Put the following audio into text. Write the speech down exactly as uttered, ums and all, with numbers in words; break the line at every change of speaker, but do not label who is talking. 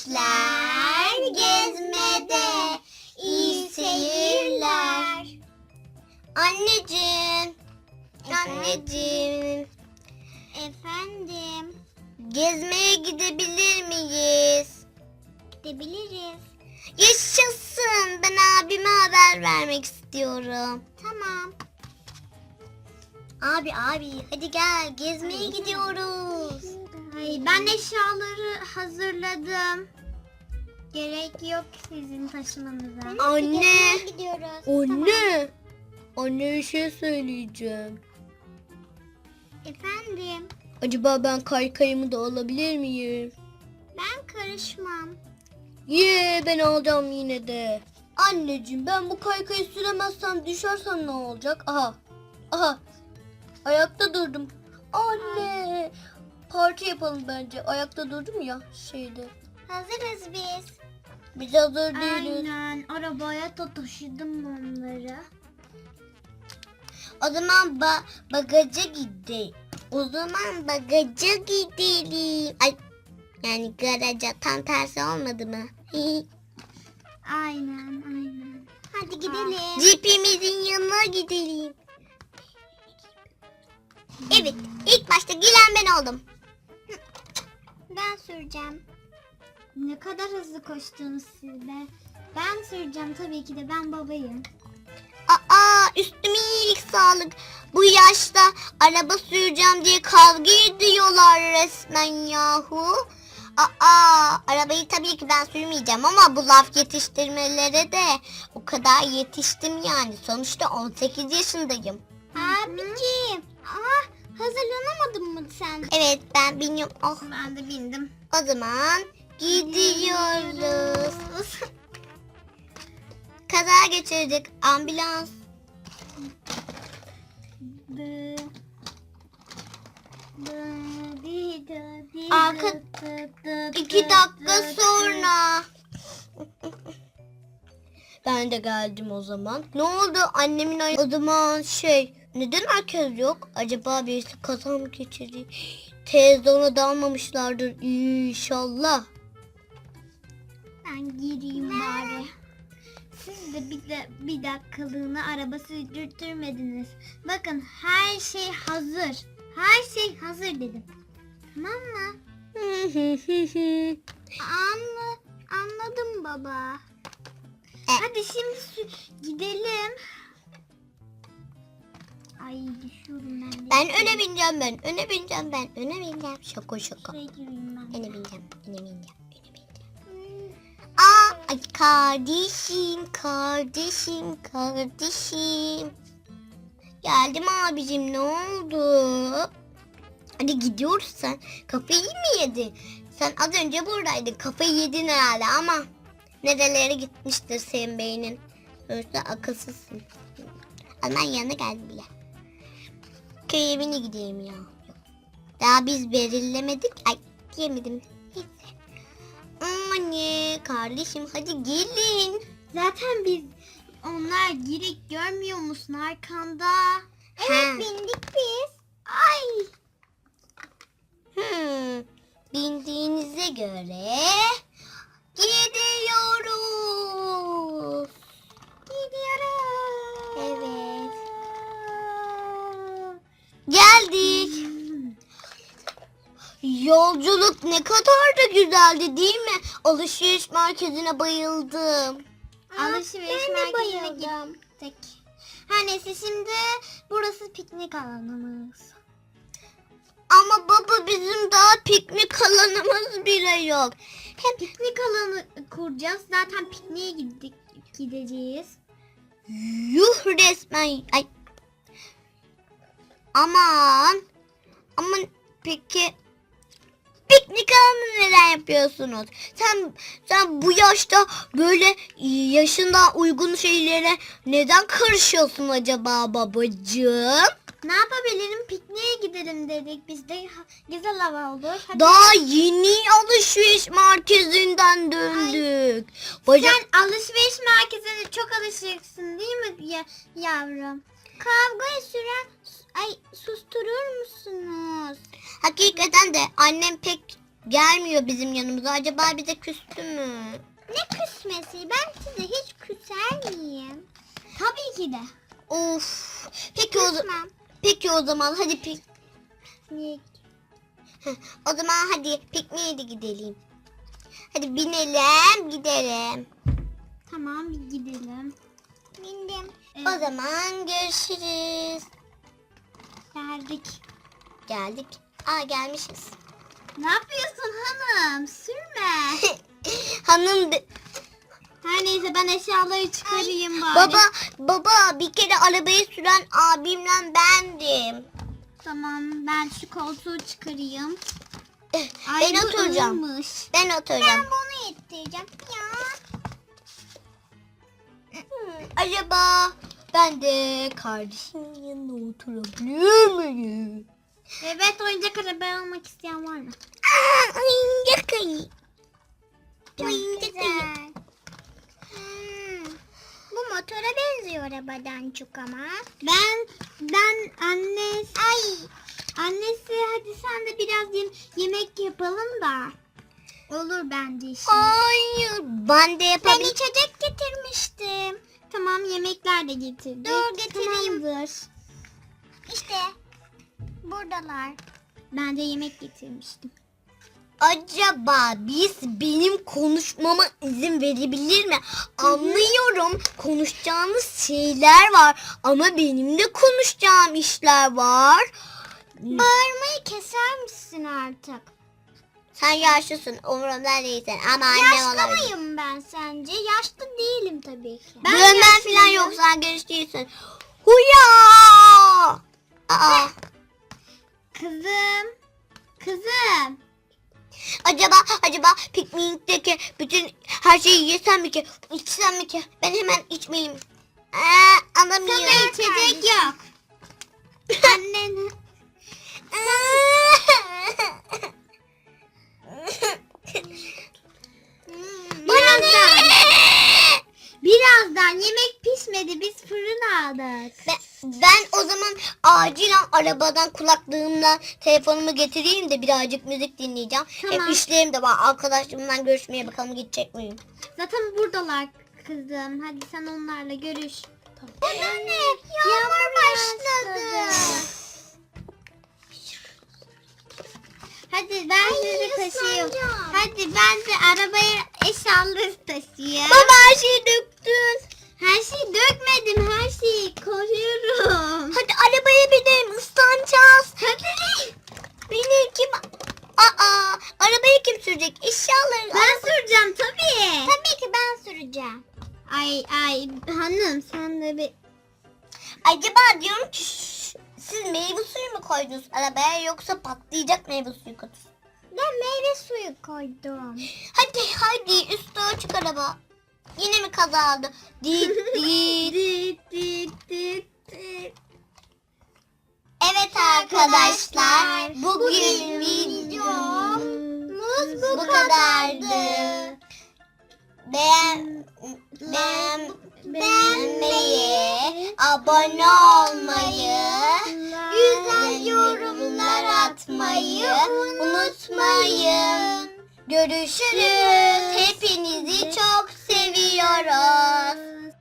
Gençler gezmede. İyi seyirler. Anneciğim. Anneciğim.
Efendim.
Gezmeye gidebilir miyiz?
Gidebiliriz.
Yaşasın. Ben abime haber vermek istiyorum.
Tamam.
Abi abi hadi gel gezmeye gidiyoruz.
Ay, ben eşyaları hazırladım. Gerek yok sizin taşımanıza.
Anne.
Gidiyoruz.
Anne. Anne bir şey söyleyeceğim.
Efendim.
Acaba ben kaykayımı da alabilir miyim?
Ben karışmam.
Ye ben alacağım yine de. Anneciğim ben bu kaykayı süremezsem düşersem ne olacak? Aha. Aha. Ayakta durdum. Anne. Parti yapalım bence. Ayakta durdum ya şeyde.
Hazırız biz.
Biz hazır değiliz.
Aynen. Arabaya da taşıdım onları.
O zaman ba bagaja gidelim. O zaman bagaja gidelim. Ay yani garaja tam tersi olmadı mı?
Aynen aynen. Hadi gidelim.
Jeep'imizin yanına gidelim. Evet, ilk başta gülen ben oldum.
Ben süreceğim. Ne kadar hızlı koştunuz siz de. Ben süreceğim tabii ki de, ben babayım.
Aa, üstüme iyilik sağlık. Bu yaşta araba süreceğim diye kavga ediyorlar resmen yahu. Aa, arabayı tabii ki ben sürmeyeceğim ama bu laf yetiştirmelere de o kadar yetiştim yani. Sonuçta on sekiz yaşındayım.
Abiciğim. Aa, hazırlanamadın mı sen?
Evet ben biniyorum. Oh,
Ben de bindim.
o zaman gidiyoruz. Kaza geçirdik. Ambulans.
Dı. Dı, di, dı, di,
Arka-
dı, dı, dı,
İki
dı,
dakika
dı,
sonra. Ben de geldim o zaman. Ne oldu annemin ay- o zaman şey neden herkes yok? Acaba birisi kaza mı geçirdi? Televizyona dalmamışlardır inşallah.
Ben gireyim bari. Siz de bir, de bir dakikalığına araba sürdürtmediniz. Bakın her şey hazır. Her şey hazır dedim. Tamam mı? Anla, anladım baba.
E.
Hadi şimdi sü- gidelim. Ay düşüyorum ben de.
Ben öne bineceğim ben. Öne bineceğim ben. Öne bineceğim. Şaka şaka.
Şuraya gireyim ben.
Öne bineceğim. Öne bineceğim. Öne bineceğim. Aa, ay kardeşim, kardeşim, kardeşim. Geldim abicim ne oldu? Hadi gidiyoruz sen. Kafayı mı yedin? Sen az önce buradaydın. Kafayı yedin herhalde ama nerelere gitmiştir senin beynin. Sonuçta akılsızsın. Ama ben yanına geldim bile. Köy evine gideyim ya. Yok. Daha biz belirlemedik. Ay diyemedim. Neyse. Anne kardeşim hadi gelin.
Zaten biz onlar girik, görmüyor musun arkanda?
Evet, Ha.
bindik biz. Ay.
Hmm, bindiğinize göre gidiyoruz.
Gidiyoruz.
Evet. Geldik. Yolculuk ne kadar da güzeldi değil mi? Alışveriş merkezine bayıldım.
Alışveriş
ben de
merkezine
bayıldım.
gittik. Her neyse şimdi burası piknik alanımız.
Ama baba bizim daha piknik alanımız bile yok.
Hem piknik alanı kuracağız. Zaten pikniğe gittik, gideceğiz.
Yuh resmen. Ay. Aman. Aman peki piknik alanı neden yapıyorsunuz? Sen sen bu yaşta böyle yaşına uygun şeylere neden karışıyorsun acaba babacığım?
Ne yapabilirim? Pikniğe gidelim dedik. Biz de ha- güzel hava olur. Hadi.
Daha yeni alışveriş merkezinden döndük. Bacak...
Sen alışveriş merkezine çok alışıksın değil mi ya, yavrum? Kavgayı süren ay susturur musunuz?
Hakikaten de annem pek gelmiyor bizim yanımıza. Acaba bize küstü mü?
Ne küsmesi? Ben size hiç küser miyim? Tabii ki de.
Of. Peki o,
Küsmem.
peki o zaman hadi pik
Niye?
Heh, o zaman hadi pikniğe de gidelim. Hadi binelim gidelim.
Tamam bir gidelim.
Bindim.
Evet.
O zaman görüşürüz.
Geldik.
Geldik. Aa gelmişiz.
Ne yapıyorsun hanım? Sürme.
Hanım de-
Her neyse ben eşyaları çıkarayım bari.
baba baba bir kere arabayı süren abimle bendim.
Tamam ben şu koltuğu çıkarayım.
Eh,
Ay,
ben
bu
oturacağım.
iyiymiş.
Ben oturacağım.
bunu ittireceğim ya.
Hmm, acaba ben de kardeşimin yanına oturabilir miyim?
Evet oyuncak araba almak isteyen var mı?
Aa, oyuncak ayı.
Çok
Oyuncak ayı.
güzel. Hmm, bu motora benziyor arabadan çok ama. Ben ben anne ay annesi hadi sen de biraz yem- yemek yapalım da. Olur bence şimdi.
Hayır. Ben de
Ben
yapabilirim.
içecek getirmiştim. Tamam yemekler de getirdik. Dur getireyim. Tamamdır. İşte buradalar. Ben de yemek getirmiştim.
Acaba biz benim konuşmama izin verebilir mi? Anlıyorum konuşacağınız şeyler var ama benim de konuşacağım işler var.
Bağırmayı keser misin artık?
Sen yaşlısın umurumda değilsin ama annem
Yaşlı
olabilir.
mıyım ben sence? Yaşlı değilim tabii ki.
Ben Dövmen falan yok, sen genç değilsin. Huya! Aa,
Kızım. Kızım.
acaba acaba piknikteki bütün her şeyi yesem mi ki, içsem mi ki? Ben hemen içmeliyim. Aa, anlamıyorum.
Sana içecek yok. Annen. Birazdan. Birazdan yemek pişmedi. Biz fırın aldık.
Ben, ben o zaman acilen arabadan kulaklığımla telefonumu getireyim de birazcık müzik dinleyeceğim.
Tamam.
Hep işlerim de var. Arkadaşlarımla görüşmeye bakalım gidecek miyim?
Zaten buradalar kızım. Hadi sen onlarla görüş. Anne, yağmur başladı. Hadi ben sizi taşıyayım. Hadi ben de arabaya eşyaları taşıyayım.
Baba her şeyi döktün.
Her şeyi dökmedim. Her şeyi koruyorum.
Hadi arabaya binelim, ıslanacağız.
Hadi.
Beni kim... Aa, arabayı kim sürecek? Eşyaları...
Ben süreceğim tabii. Tabii ki ben süreceğim. Ay ay hanım sen de bir...
Acaba diyorum ki şş, siz meyve suyu mu koydunuz arabaya yoksa patlayacak meyve suyu kutusu?
Ben meyve suyu koydum.
Hadi hadi üstü açık araba. Yine mi kaza oldu? Dit dit.
Dit dit dit dit.
Evet arkadaşlar bugün videomuz bu kadardı. Beğen, beğen, beğenmeyi, abone olmayı, güzel yorumlar atmayı unutmayın. Görüşürüz. Hepinizi çok seviyoruz.